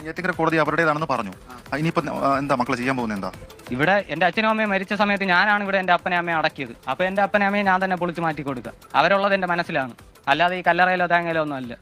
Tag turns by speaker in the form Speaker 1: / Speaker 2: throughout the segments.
Speaker 1: നെയ്യാറ്റിൻകര കോടതി അവരുടേതാണെന്ന് പറഞ്ഞു. ഇനിയിപ്പോ എന്താ മക്കൾ ചെയ്യാൻ പോകുന്നത്? എന്താ
Speaker 2: ഇവിടെ എന്റെ അച്ഛനും അമ്മയും മരിച്ച സമയത്ത് ഞാനാണ് ഇവിടെ എന്റെ അപ്പനെ അമ്മയെ അടക്കിയത്. അപ്പൊ എന്റെ അപ്പനെ അമ്മയെ ഞാൻ തന്നെ പൊളിച്ചു മാറ്റി കൊടുക്കുക. അവരുള്ളത് എന്റെ മനസ്സിലാണ്, അല്ലാതെ ഈ കല്ലറയിലോ തേങ്ങയിലോ ഒന്നും അല്ല.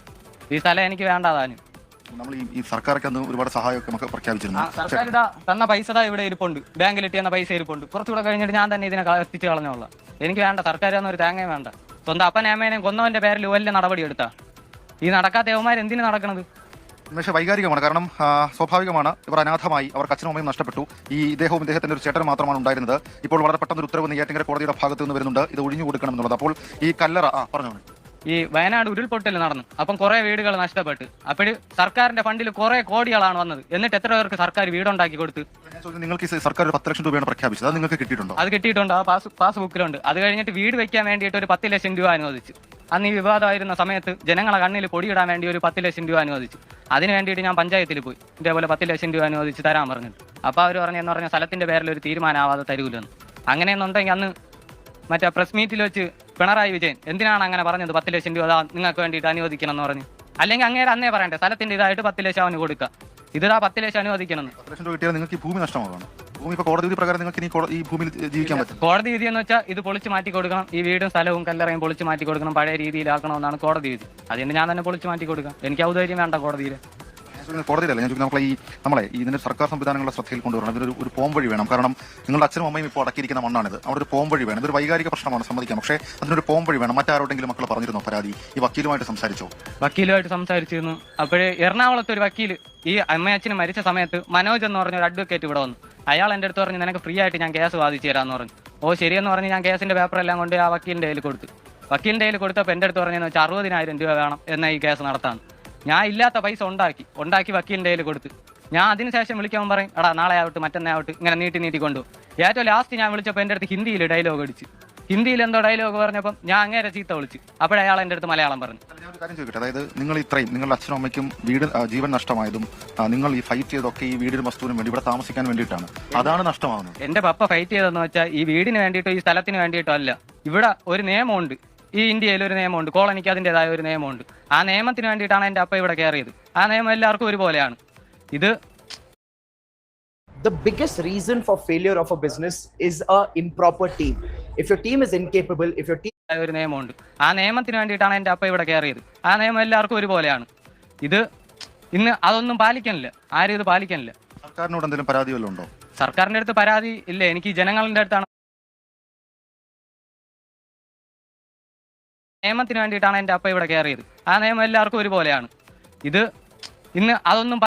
Speaker 2: ഈ സ്ഥലം എനിക്ക് വേണ്ടതാനും.
Speaker 1: നമ്മൾ ഈ സർക്കാരൊക്കെ അന്ന് ഒരുപാട് സഹായമൊക്കെ നമുക്ക് പ്രഖ്യാപിച്ചിരുന്നു.
Speaker 2: സർക്കാർ ഇതാ തന്ന പൈസ ഇവിടെ ഇരിപ്പുണ്ട്, ബാങ്കിൽ ഇട്ടിരുന്ന പൈസ ഇരിപ്പുണ്ട്. കുറച്ചുകൂടെ കഴിഞ്ഞിട്ട് ഞാൻ തന്നെ ഇതിനെ എത്തിച്ചു കളഞ്ഞോളാം. എനിക്ക് വേണ്ട, സർക്കാരൊന്നും ഒരു തേങ്ങയും വേണ്ട. സ്വന്തം അപ്പനെ അമ്മേനെയും കൊന്നവന്റെ പേരിൽ വലിയ നടപടി എടുത്താ. ഈ നടക്കാത്ത യവന്മാർ എന്തിനു നടക്കണത്?
Speaker 1: പക്ഷേ വൈകാരികമാണ്. കാരണം സ്വാഭാവികമാണ്, ഇവർ അനാഥമായി, അവർക്ക് അച്ഛനും അമ്മയും നഷ്ടപ്പെട്ടു. ഈ ഇദ്ദേഹവും ഇദ്ദേഹത്തിന്റെ ഒരു ചേട്ടനും മാത്രമാണ് ഉണ്ടായിരുന്നത്. ഇപ്പോൾ വളരെ പെട്ടെന്ന് ഒരു ഉത്തരവ് നെയ്യാറ്റിൻകര കോടതിയുടെ ഭാഗത്ത് നിന്ന് വരുന്നുണ്ട്, ഇത് ഒഴിഞ്ഞു കൊടുക്കണം എന്നുള്ളത്. അപ്പോൾ ഈ കല്ലറ പറഞ്ഞോളൂ.
Speaker 2: ഈ വയനാട് ഉരുൾപൊട്ടൽ നടന്നു, അപ്പം കുറെ വീടുകൾ നഷ്ടപ്പെട്ട്. അപ്പോഴ് സർക്കാരിന്റെ ഫണ്ടിൽ കുറെ കോടികളാണ് വന്നത്. എന്നിട്ട് എത്ര പേർക്ക് സർക്കാർ വീടുണ്ടാക്കി കൊടുത്ത്?
Speaker 1: നിങ്ങൾക്ക് സർക്കാർ 10 ലക്ഷം രൂപയാണ് പ്രഖ്യാപിച്ചത്, അത് നിങ്ങൾക്ക് കിട്ടിയിട്ടുണ്ടോ?
Speaker 2: അത് കിട്ടിയിട്ടുണ്ട്, ആ പാസ്ബുക്കിലുണ്ട്. അത് കഴിഞ്ഞിട്ട് വീട് വെക്കാൻ വേണ്ടിയിട്ട് ഒരു 10 ലക്ഷം രൂപ അനുവദിച്ചു. അന്ന് ഈ വിവാദമായിരുന്ന സമയത്ത് ജനങ്ങളെ കണ്ണിൽ പൊടിയിടാൻ വേണ്ടി ഒരു 10 ലക്ഷം രൂപ അനുവദിച്ചു. അതിന് വേണ്ടിയിട്ട് ഞാൻ പഞ്ചായത്തിൽ പോയി ഇതേപോലെ 10 ലക്ഷം രൂപ അനുവദിച്ച് തരാൻ പറഞ്ഞിട്ട്. അപ്പോൾ അവർ പറഞ്ഞെന്ന് പറഞ്ഞ സ്ഥലത്തിന്റെ പേരിൽ ഒരു തീരുമാനമാവാതെ തരൂലെന്ന്. അങ്ങനെയെന്നുണ്ടെങ്കിൽ അന്ന് മറ്റേ പ്രസ് മീറ്റിൽ വെച്ച് പിണറായി വിജയൻ എന്തിനാണ് അങ്ങനെ പറഞ്ഞത്? 10 ലക്ഷം രൂപ നിങ്ങൾക്ക് വേണ്ടിയിട്ട് അനുവദിക്കണം എന്ന് പറഞ്ഞു. അല്ലെങ്കിൽ അങ്ങേരെ അന്നേ പറയണ്ടേ സ്ഥലത്തിന്റെ ഇതായിട്ട് 10 ലക്ഷം അവന് കൊടുക്കുക. ഇതാ 10 ലക്ഷം അനുവദിക്കണം.
Speaker 1: 10 ലക്ഷം രൂപ കിട്ടിയാൽ നിങ്ങൾക്ക് ഈ ഭൂമി നഷ്ടമാകണം. ഭൂമി ഇപ്പോൾ കോടതി വിധി പ്രകാരം നിങ്ങൾക്ക് ഈ ഭൂമിയിൽ ജീവിക്കാൻ പറ്റും.
Speaker 2: കോടതി വിധി എന്ന് വെച്ചാൽ ഇത് പൊളിച്ച് മാറ്റി കൊടുക്കണം. ഈ വീടും സ്ഥലവും കല്ലറയും പൊളിച്ച് മാറ്റി കൊടുക്കണം, പഴയ രീതിയിലാക്കണമെന്നാണ് കോടതി വിധി. അതുകൊണ്ട് ഞാൻ തന്നെ പൊളിച്ച് മാറ്റി കൊടുക്കാം. എനിക്ക് ഔദാര്യം വേണ്ട കോടതിയിൽ.
Speaker 1: കോടതിയിലല്ല ഞാൻ നമ്മളെ ഇതിന്റെ സർക്കാർ സംവിധാനങ്ങളുടെ ശ്രദ്ധയിൽ കൊണ്ടുവരണം. ഇതിനൊരു പോം വഴി വേണം. കാരണം നിങ്ങളുടെ അച്ഛനും അമ്മയും ഇപ്പോൾ അടക്കിയിരിക്കുന്ന മണ്ണാണിത്. അവിടെ ഒരു പോം വഴി വേണം. ഇതൊരു വൈകാരിക പ്രശ്നമാണ്, സമ്മതിക്കാം. പക്ഷേ അതിനൊരു പോം വഴി വേണം. മറ്റാരോടെങ്കിലും മക്കൾ പറഞ്ഞിരുന്നോ പരാതി? ഈ വക്കീലുമായിട്ട് സംസാരിച്ചോ?
Speaker 2: വക്കീലുമായിട്ട് സംസാരിച്ചിരുന്നു. അപ്പോഴേ എറണാകുളത്ത് ഒരു വക്കീൽ ഈ അമ്മയച്ഛന് മരിച്ച സമയത്ത് മനോജ് എന്ന് പറഞ്ഞ ഒരു അഡ്വക്കേറ്റ് ഇവിടെ വന്നു. അയാൾ എൻ്റെ അടുത്ത് പറഞ്ഞു, നിനക്ക് ഫ്രീ ആയിട്ട് ഞാൻ കേസ് വാദിച്ചു തരാമെന്ന് പറഞ്ഞു. ഓ ശരിയെന്ന് പറഞ്ഞ് ഞാൻ കേസിന്റെ പേപ്പറെല്ലാം കൊണ്ട് ആ വക്കീലിൻ്റെ കയ്യിൽ കൊടുത്തു. വക്കീലിൻ്റെ കയ്യിൽ കൊടുത്തപ്പോൾ എൻ്റെ അടുത്ത് പറഞ്ഞതെന്ന് വെച്ചാൽ 60,000 രൂപ വേണം എന്നാൽ ഈ കേസ് നടത്താൻ. ഞാൻ ഇല്ലാത്ത പൈസ ഉണ്ടാക്കി വക്കീലിൻ്റെ കയ്യിൽ കൊടുത്ത്. ഞാൻ അതിനുശേഷം വിളിക്കാൻ പറയും, എടാ നാളെ ആവട്ടെ മറ്റന്നാൾ ആവട്ടെ, ഇങ്ങനെ നീട്ടി കൊണ്ടു. ഏറ്റവും ലാസ്റ്റ് ഞാൻ വിളിച്ചപ്പോൾ എൻ്റെ അടുത്ത് ഹിന്ദിയിൽ ഡയലോഗ് അടിച്ച്. ഹിന്ദിയിൽ എന്തോ ഡയലോഗ് പറഞ്ഞപ്പം ഞാൻ അങ്ങേരെ ചീത്ത വിളിച്ചു. അപ്പോഴയാൾ എൻ്റെ അടുത്ത് മലയാളം പറഞ്ഞു.
Speaker 1: ഞാൻ കാര്യം ചോദിക്കട്ടെ, അതായത് നിങ്ങൾ ഇത്രയും നിങ്ങളുടെ അച്ഛനും അമ്മയ്ക്കും വീട് ജീവൻ നഷ്ടമായതും നിങ്ങൾ ഈ ഫൈറ്റ് ചെയ്തൊക്കെ ഈ വീടിനും വസ്തുവിനും വേണ്ടി ഇവിടെ താമസിക്കാൻ വേണ്ടിയിട്ടാണ്, അതാണ് നഷ്ടമാകുന്നത്.
Speaker 2: എൻ്റെ പപ്പ ഫൈറ്റ് ചെയ്തതെന്ന് വെച്ചാൽ ഈ വീടിന് വേണ്ടിയിട്ടോ ഈ സ്ഥലത്തിന് വേണ്ടിയിട്ടോ അല്ല. ഇവിടെ ഒരു നിയമമുണ്ട്, ഈ ഇന്ത്യയിൽ ഒരു നിയമമുണ്ട്, കോളനിക്ക് അതിൻ്റെതായ ഒരു നിയമമുണ്ട്. ആ നിയമത്തിന് വേണ്ടിയിട്ടാണ് എൻ്റെ അപ്പ ഇവിടെ കയറിയത്. ആ നിയമം എല്ലാവർക്കും ഒരുപോലെയാണ്. ഇത്
Speaker 3: The biggest reason for failure of a business is a improper team. If your team is incapable, if your team
Speaker 2: ഒരു നിയമമുണ്ട്, ആ നിയമത്തിന് വേണ്ടിയിട്ടാണ് എൻ്റെ അപ്പ ഇവിടെ കയറിയത്. ആ നിയമം എല്ലാവർക്കും ഒരുപോലെയാണ്. ഇത് ഇന്ന് അതൊന്നും പാലിക്കാനില്ല, ആരും ഇത് പാലിക്കാനില്ല.
Speaker 1: സർക്കാരിനോട് എന്തെങ്കിലും പരാതി വല്ലതും ഉണ്ടോ?
Speaker 2: സർക്കാരിൻ്റെ അടുത്ത് പരാതി ഇല്ല, എനിക്ക് ജനങ്ങളുടെ അടുത്താണ്. നിയമത്തിന് വേണ്ടിയിട്ടാണ് എൻ്റെ അപ്പ ഇവിടെ കയറിയത്. ആ നിയമം എല്ലാവർക്കും ഒരുപോലെയാണ്. ഇത് ഇന്ന് അതൊന്നും